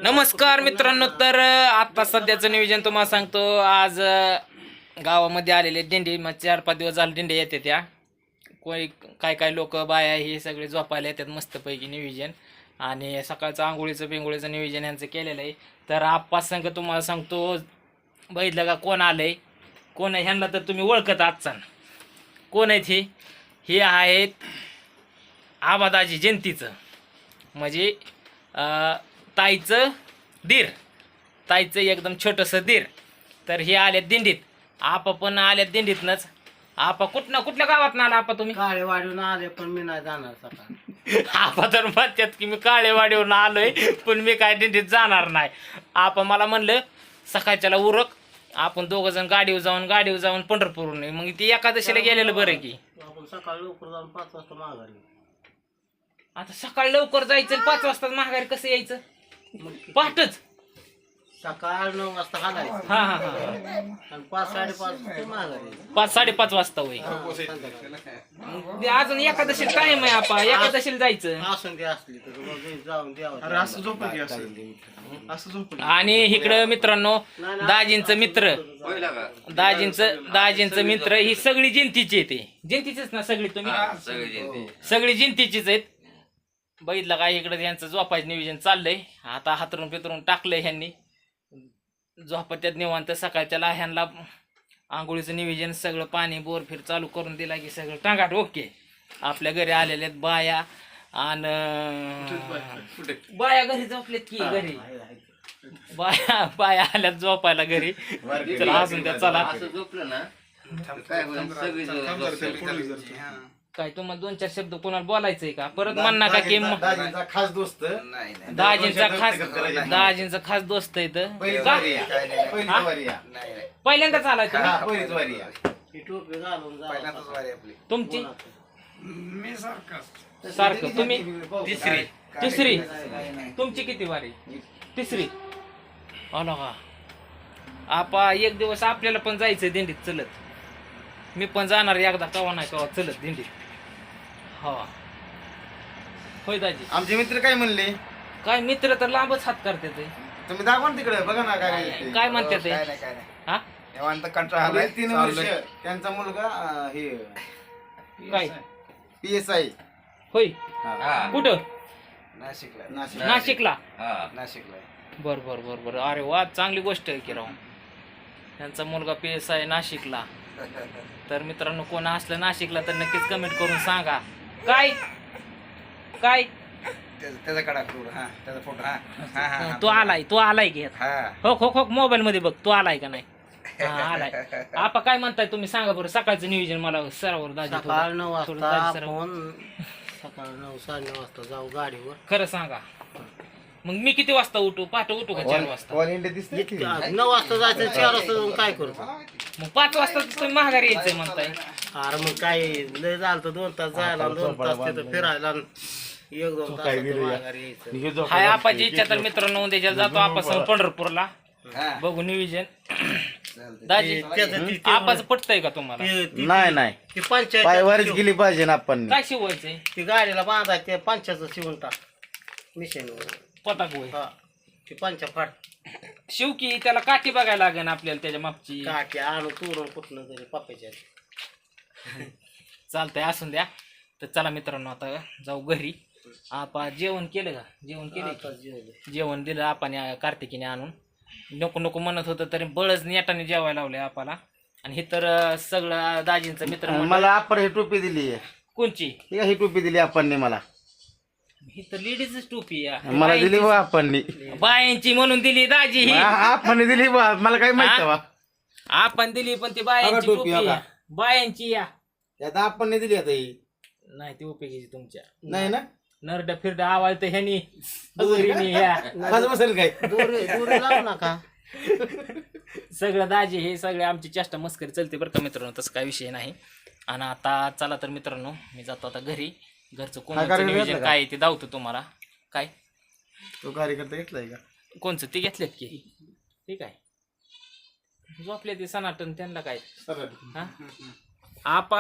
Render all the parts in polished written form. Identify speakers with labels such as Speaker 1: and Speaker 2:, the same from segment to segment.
Speaker 1: नमस्कार मित्रांनो. तर आता सध्याचं नियोजन तुम्हाला सांगतो. आज गावामध्ये आलेले दिंडी, मग 4-5 दिवस झाले दिंडी येते त्या. कोणी काय लोक बाया हे सगळे झोपायला येतात मस्तपैकी नियोजन. आणि सकाळचं आंघोळीचं बिंगोळीचं नियोजन यांचं केलेलं आहे. तर आप्पा संघ तुम्हाला सांगतो, बघितलं का कोण आलंय, कोण आहे ह्यांना तर तुम्ही ओळखत आजचा कोण आहेत. हे आहेत आबादाजी जयंतीचं, म्हणजे ताईचं दीर, ताईचं एकदम छोटंसं दीर. तर हे आल्यात दिंडीत. आपा पण आल्यात दिंडीतनंच. आपा कुठल्या गावात आला आपा तुम्ही?
Speaker 2: काळेवाडीहून आले, पण मी नाही जाणार सकाळ.
Speaker 1: आपा तर म्हणतात की मी काळेवाडीवरून आलोय, पण मी काय दिंडीत जाणार नाही. आपा मला म्हणलं सकाळच्याला उरक, आपण दोघं जण गाडीवर जाऊन पंढरपूरहून. मग ती एकादशीला गेलेलं बरं की.
Speaker 2: आपण सकाळी लवकर जाऊन 5 वाजता माघारी.
Speaker 1: आता सकाळी लवकर जायचं, 5 वाजता माघारी कसं यायचं? पहाटच
Speaker 2: सकाळ 9 वाजता हालायचं
Speaker 1: हा हा हा
Speaker 2: आणि 5-5:30 वाजता माघारी.
Speaker 1: 5-5:30 वाजता होय. ते अजून एकादशीला टाइम आहे आपा, एकादशीला जायचं.
Speaker 2: असून ते असली तर मग जाऊन द्यावं.
Speaker 1: आणि इकडं मित्रांनो दाजींचं मित्र, दाजींचं मित्र ही सगळी जिंतीची येते. जिंतीचीच ना सगळी तुम्ही? सगळी जिंतीचीच आहेत. बघितलं काय इकडे यांचं झोपायचं नियोजन चाललंय. आता हातरून पितरून टाकलंय ह्यांनी, झोपत्यात निवांत. सकाळच्या ह्यांना आंघोळीचं नियोजन सगळं, पाणी बोरफिर चालू करून दिला की सगळं टांगाट ओके. आपल्या घरी आलेल्या आहेत बाया, आणि बाया घरी झोपलेत की घरी बाया आल्यात झोपायला घरी. चला असून त्या, चला काय तुम्हाला 2-4 शब्द कोणाला बोलायचंय का? परत म्हणणार का की
Speaker 3: दाजींचा खास दोस्त,
Speaker 1: दाजींचा खास दोस्त आहे. पहिल्यांदाच आलाय तुम्ही?
Speaker 2: ही टोपी घालून जा.
Speaker 1: तुमची सारखं तुम्ही तिसरी. तुमची किती वारी? तिसरी. आलो का आपा? एक दिवस आपल्याला पण जायचंय दिंडीत चलत. मी पण जाणार एकदा, कवा नाही कवा चलत दिंडीत. हा होय दाजी.
Speaker 3: आमचे मित्र काय म्हणले?
Speaker 1: काय मित्र तर लांबच हात करतात.
Speaker 3: तुम्ही दाखवा ना तिकडे, बघा ना काय
Speaker 1: काय म्हणतात हा?
Speaker 3: निवांत कंटाळा आलाय. 3 वर्ष त्यांचा मुलगा हे
Speaker 1: काय
Speaker 3: PSI
Speaker 1: होय? कुठं?
Speaker 3: नाशिकला.
Speaker 1: नाशिकला. बर. अरे वा, चांगली गोष्ट आहे की राव. त्यांचा मुलगा PSI नाशिकला. तर मित्रांनो कोण असलं नाशिकला तर नक्कीच कमेंट करून सांगा. काय
Speaker 3: त्याचा फोटो.
Speaker 1: तू आलाय की? हो मोबाईल मध्ये बघ, तू आलाय का नाही? आलाय. आपा काय म्हणताय तुम्ही सांगा बरं. सकाळचं नियोजन मला सरावर दाजी.
Speaker 2: सकाळ 9 वाजता आपण सकाळ 9-9:30 वाजता जाऊ गाडीवर.
Speaker 1: खरं सांगा, मग मी किती वाजता उठू? पहाटे उठू का 4 वाजता?
Speaker 3: ऑल इंडिया दिसते की?
Speaker 2: 9 वाजता जायचं, 4 वाजता जाऊन काय करतो?
Speaker 1: मग 5 वाजता तुम्ही माघारी यायचंय म्हणताय?
Speaker 2: अरे मग काय लय झालं तर 2 तास जायला, 2 तास तिथं फिरायला, 1-2 तास माघारी यायचं.
Speaker 1: हाय आपाची इच्छा. तर मित्रांनो उद्याच्या जातो आपण पंढरपूरला, बघू नियोजन. दाजी आपाचं पटतंय का तुम्हाला?
Speaker 3: नाही
Speaker 2: ती पंचायत
Speaker 3: पायवारीच गेली पाहिजे ना आपण.
Speaker 1: काय शिवायचंय?
Speaker 2: ती गाडीला बांधायचं, ते पंचाचं शिवून टाक मिशनवर.
Speaker 1: पताक होय.
Speaker 2: हा ती पंचा फाट
Speaker 1: शिव की त्याला काठी बघायला लागेल आपल्याला त्याच्या मागची.
Speaker 2: काठी आणू तोडून कुठनं तरी पप्प्याच्या.
Speaker 1: चालतंय, असून द्या. तर चला मित्रांनो आता जाऊ घरी. आपा जेवण केलं का? जेवण दिलं आपण कार्तिकीने आणून. नको म्हणत होतं तरी बळच नेटाने जेवायला लावले आपाला. आणि हे तर सगळं दाजींचं मित्र.
Speaker 3: मला आपण ही टोपी दिली.
Speaker 1: कोणची?
Speaker 3: ही टोपी दिली आपण मला.
Speaker 1: ही तर लेडीजच टोपी
Speaker 3: मला दिली बा आपण.
Speaker 1: बायांची म्हणून दिली दाजी. ही
Speaker 3: आपण दिली बा, मला काय माहित बा.
Speaker 1: आपण दिली पण ती बायांची
Speaker 3: टोपी
Speaker 1: टोपी आहे. बायांची या
Speaker 3: आता आपण दिली. आता ही
Speaker 1: नाही ती उपयोगीची तुमच्या.
Speaker 3: नाही ना,
Speaker 1: नरड फिरड आवाज तर ह्यानी दोरीनी या
Speaker 3: बसेल काय?
Speaker 2: दोरी लावू नका.
Speaker 1: सगळं दाजी हे सगळे आमची चेष्टा मस्करी चलते बरं का मित्रांनो, तसं काय विषय नाही. आणि आता चला तर मित्रांनो मी जातो आता घरी. घरचं कोणाचं नियोजन काय आहे ते दावतो तुम्हाला. काय
Speaker 3: तो कार्यकर्ता घेतलाय का?
Speaker 1: कोणचं? ते घेतलेत की? ठीक आहे, झोपले ते सनाटन, त्यांना काय. हा आपा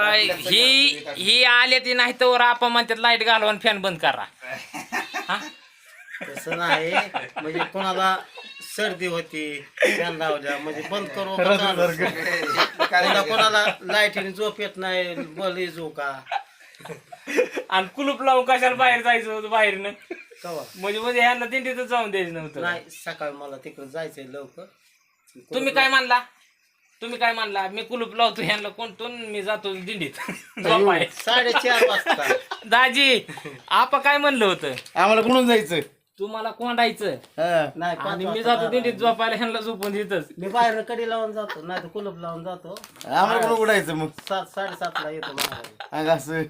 Speaker 1: ही आले ती नाही तर आपा म्हणतात लाईट घालवा फॅन बंद करा.
Speaker 2: तसं नाही म्हणजे कोणाला सर्दी होती फॅन लावल्या म्हणजे बंद करू का चालू? कोणाला लाईटीने झोप येत नाही बली झो का
Speaker 1: आणि कुलूप लावून कशाला बाहेर जायचं होतं बाहेरनं
Speaker 2: कवा
Speaker 1: म्हणजे ह्यांना दिंडीतच जाऊन द्यायचं नव्हतं.
Speaker 2: नाही सकाळी मला तिकडे जायचंय लवकर.
Speaker 1: तुम्ही काय मानला मी कुलूप लावतो ह्यांना कोणतून मी जातो दिंडीत झोपाय.
Speaker 2: 4:30 वाजता
Speaker 1: दाजी आपा काय म्हणलं होतं
Speaker 3: आम्हाला कुठून जायचं
Speaker 1: तुम्हाला कोंडायचं
Speaker 2: नाही 5
Speaker 1: आणि मी
Speaker 2: वाजता
Speaker 1: जातो दिंडीत झोपायला ह्यांना झोपून देतच.
Speaker 2: मी बाहेर कडी लावून जातो नाही तर कुलूप लावून जातो.
Speaker 3: आम्हाला कुठं उडायचं मग
Speaker 2: 7:30 ला येतो माघारी.
Speaker 3: अंग असं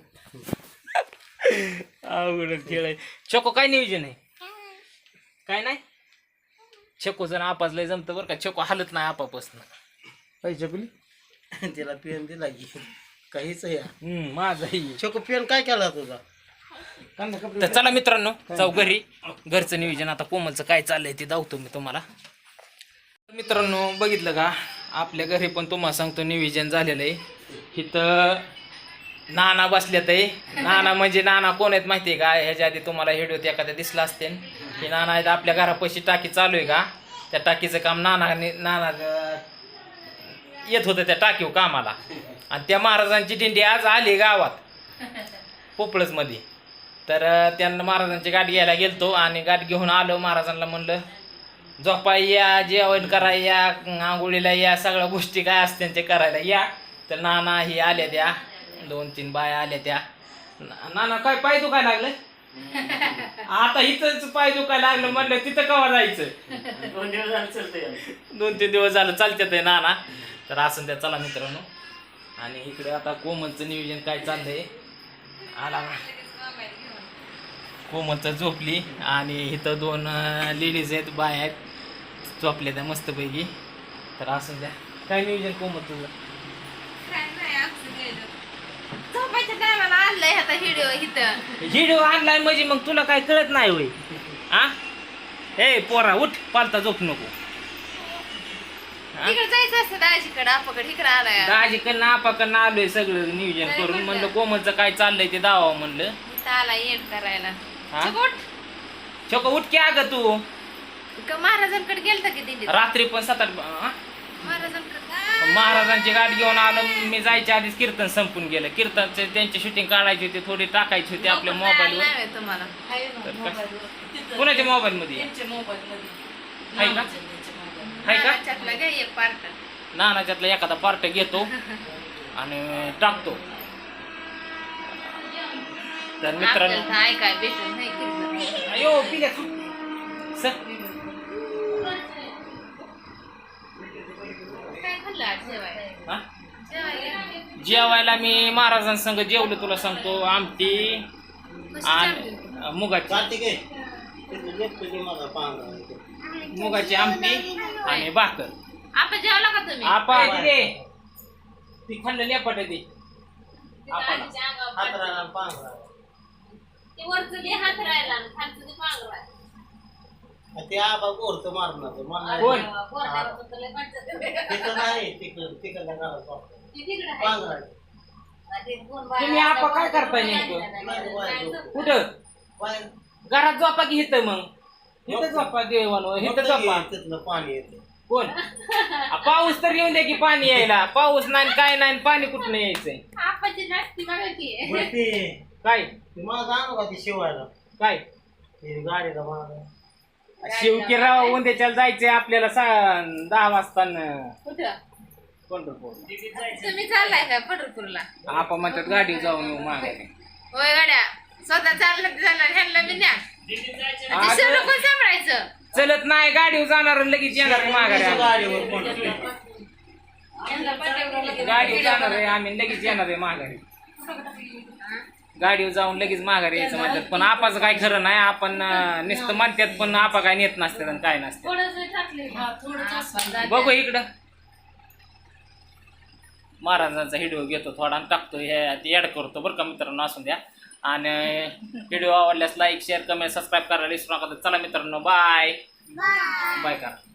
Speaker 1: अवघड खेळ आहे. चको काय नियोजन आहे काय नाही चको जण आपाच लय जमतं बरं का चको हालत नाही आपापासून.
Speaker 3: पैसे पिली
Speaker 2: तिला पेन दिला की काहीच या
Speaker 1: माझाही
Speaker 2: छोको पेन काय केला तुझा.
Speaker 1: तर चला मित्रांनो जाऊ घरी. घरचं नियोजन आता कोमलचं काय चाललंय ते दावतो मी तुम्हाला. मित्रांनो बघितलं का आपल्या घरी पण तुम्हाला सांगतो नियोजन झालेलं आहे. इथं नाना बसल्यात आहे. नाना म्हणजे नाना कोण आहेत माहिती आहे का ह्याच्या आधी तुम्हाला व्हिडिओत एखाद्या दिसला असते की नाना आहेत आपल्या घरापाशी टाकी चालू आहे का त्या टाकीचं काम नाना येत होतं त्या टाकीव कामाला. आणि त्या महाराजांची दिंडी आज आली गावात पोपळसमध्ये. तर त्यांना महाराजांची गाठ घ्यायला गेलतो आणि गाठ घेऊन आलो. महाराजांना म्हणलं झोपाय या जेवण करायला या आंघोळीला या सगळ्या गोष्टी काय असते ते करायला या. तर नाना ही आल्या त्या 2-3 बाया आल्या त्या. नाना काय पाय दुखायला लागलं आता इथंच पाय दुखायला लागलं म्हणलं तिथं केव्हा जायचं 2-3 दिवस झालं चालतात आहे नाना. तर असं त्या चला मित्रांनो. आणि इकडे आता कोमलचं नियोजन काय चाललंय आला कोमलचं झोपली आणि इथं 2 लेडीज आहेत बाय आहेत झोपल्या त्या मस्तपैकी. तर असं द्या काय नियोजन कोमल तुझं
Speaker 4: झोपायच्या टायमाला आणलंय आता
Speaker 1: व्हिडिओ आणलाय म्हणजे मग तुला काय कळत नाही होय आ हे पोरा उठ पालता झोप नको.
Speaker 4: तिकडे जायचं असतं दाजीकडे आपाकडे इकडे आलाय
Speaker 1: दाजीकडनं आपाकडनं आलोय सगळं नियोजन करून. म्हणलं कोमलचं काय चाललंय ते दावा म्हणलं
Speaker 4: इथं आला येड करायला.
Speaker 1: हा?
Speaker 4: चिकोट,
Speaker 1: छोक उठ की अगं तू
Speaker 4: का महाराजांकडे गेलता की दिंडीत
Speaker 1: रात्री पण 7-8
Speaker 4: महाराजांकडे
Speaker 1: महाराजांची गाडी घेऊन आलो मी. जायच्या आधीच कीर्तन संपून गेलं. कीर्तनचे त्यांची शूटिंग काढायची होती थोडी टाकायची होती आपल्या मोबाईलवर.
Speaker 4: नाही तुम्हाला
Speaker 1: कुणाच्या मोबाईल मध्ये आहे का आहे का
Speaker 4: त्यातला घ्या एक पार्ट.
Speaker 1: नानाच्यातला एखादा पार्ट घेतो आणि टाकतो. तर मित्रांनो
Speaker 4: आपल्याला ऐकाय भेटून नाही कीर्तन.
Speaker 1: अयो पिल्या सर
Speaker 4: काय खाल्लं आज जेवायला?
Speaker 1: हा?
Speaker 4: जेवायला
Speaker 1: जेवायला मी महाराजांसंग जेवलो तुला सांगतो. आमटी आणि मुगाची
Speaker 2: कार्तिक आहे तिथे लेफ्ट गे माझा पांढरा.
Speaker 1: मुगाची आमटी आणि भाकर.
Speaker 4: आपण जेवला का तुम्ही?
Speaker 1: आपा दे ती खाल्लं लेपट दे आपाला.
Speaker 4: दाजीच्या अंगावर
Speaker 2: हातराला आणि पांढरा
Speaker 4: ते वरचं दे हात राहिला आणि खालचं दे पांघरा.
Speaker 2: ते आबा गोरचं मारणार मला
Speaker 1: कोण?
Speaker 4: गोरड्यावर तर लय म्हणतात ते.
Speaker 2: तिकडं नाही तिकडं घरात
Speaker 4: ते तिकडं आहे.
Speaker 2: पांढरा
Speaker 4: ते दोन बाया
Speaker 1: तुम्ही आपा काय करताय
Speaker 4: नाही,
Speaker 1: नेमकं?
Speaker 4: नाही, नाही, नाही, नाही.
Speaker 1: कुठं
Speaker 2: बाहेर
Speaker 1: घरात झोपा की इथं मग इथं झोपा देवान इथं झोपा.
Speaker 2: तिथलं पाणी येते
Speaker 1: कोण पाऊस तर येऊन दे की पाणी यायला. पाऊस नाही काय नाही पाणी कुठं यायचंय
Speaker 4: आपाची नाश्ती बघा की.
Speaker 2: बरं ते
Speaker 1: काय
Speaker 2: मला जाणू का ते शिवायला
Speaker 1: काय
Speaker 2: ते गाडीला माझा
Speaker 1: शिवकीराव उद्याच्याला जायचंय आपल्याला 10 वाजता
Speaker 4: कुठं
Speaker 1: पंढरपूर.
Speaker 4: तुम्ही चाललाय का पंढरपूरला?
Speaker 1: आपण म्हणतात गाडी जाऊन येऊ माघारी.
Speaker 4: होय गाड्या स्वतः चाललं ह्यांना बी न्या.
Speaker 1: आज
Speaker 4: कोण सांभाळायचं?
Speaker 1: चलत नाही गाडीवर जाणार आणि लगेच येणार माघारी.
Speaker 2: गाडीवर कोण
Speaker 4: ह्यांना पंढरपूरला
Speaker 1: गाडीवर जाणार आहे आम्ही लगेच येणार आहे माघारी. गाडीवर जाऊन लगेच माघारी यायचं म्हणतात पण आपाचं काय खरं नाही. आपण नुसतं म्हणतात पण आपा काय नेत नसतात आणि काय नसतं.
Speaker 4: थोडंसं टाकले थोडं
Speaker 1: बघू इकडं महाराजांचा व्हिडिओ घेतो थोडा आणि टाकतो. हे ऍड करतो बरं का मित्रांनो असून द्या. आणि व्हिडिओ आवडल्यास लाईक शेअर कमेंट सबस्क्राईब करायला विसरू नका. चला मित्रांनो बाय बाय करा.